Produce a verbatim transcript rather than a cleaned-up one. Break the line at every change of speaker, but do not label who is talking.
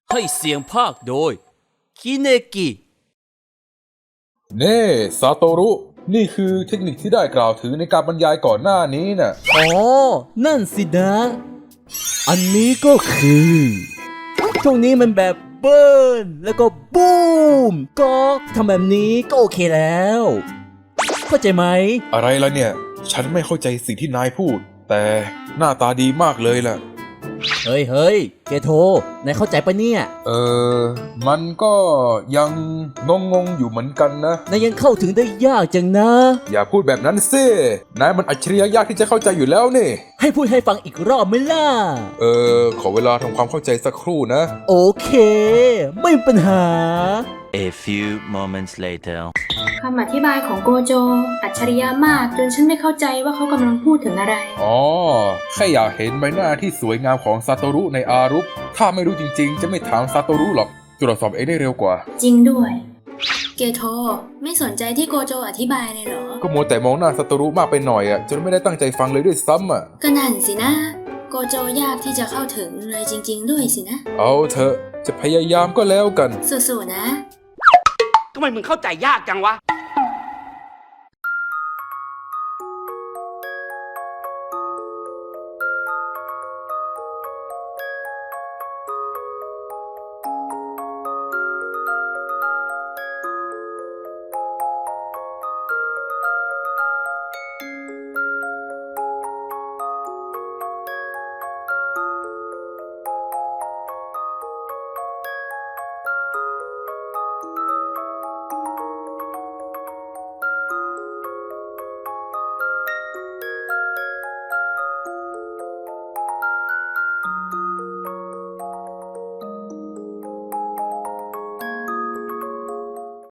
ให้เสียงภาคโดยคิเนกิ
เน่ซาโตรุ นี่คือเทคนิคที่ได้กล่าวถึงในการบรรยายก่อนหน้านี้น่ะ
อ๋อ นั่นสินะ อันนี้ก็คือช่วงนี้มันแบบเบิร์นแล้วก็บูมก็ทำแบบนี้ก็โอเคแล้ว เข้าใจไหม
อะไรล่ะเนี่ย ฉันไม่เข้าใจสิ่งที่นายพูด แต่หน้าตาดีมากเลยล่ะ
เฮ้ยเฮ้ยเกโทนายเข้าใจปะเนี่ย
เออ มันก็ยังงงงๆอยู่เหมือนกันนะ
นายยังเข้าถึงได้ยากจังนะ
อย่าพูดแบบนั้นสินายมันอัจฉริยะยากที่จะเข้าใจอยู่แล้วนี่
ให้พูดให้ฟังอีกรอบไหมล่ะ
เออ ขอเวลาทำความเข้าใจสักครู่นะ
โอเค ไม่มีปัญหา
A few moments later.
คำอธิบายของโกโจ อัจฉริยะมากจนฉันไม่เข้าใจว่าเขากำลังพูดถึงอะไร
อ๋อ แค่อยากเห็นใบหน้าที่สวยงามของซาโตรุในอารุป ถ้าไม่รู้จริงๆ จะไม่ถามซาโตรุหรอกตรวจสอบเองได้เร็วกว่า
จริงด้วย เกโทไม่สนใจที่โกโจอธิบายเลยเหรอ
ก็มัวแต่มองหน้าซาโตรุมากไปหน่อยอ่ะจนไม่ได้ตั้งใจฟังเลยด้วยซ้ำอ่ะ
ก็นั่นสินะ โกโจยากที่จะเข้าถึงเลยจริง ๆ ด้วยสินะ
เอาเถอะจะพยายามก็แล้วกัน
สู้ๆนะ
ทำไมมึงเข้าใจยากจังวะ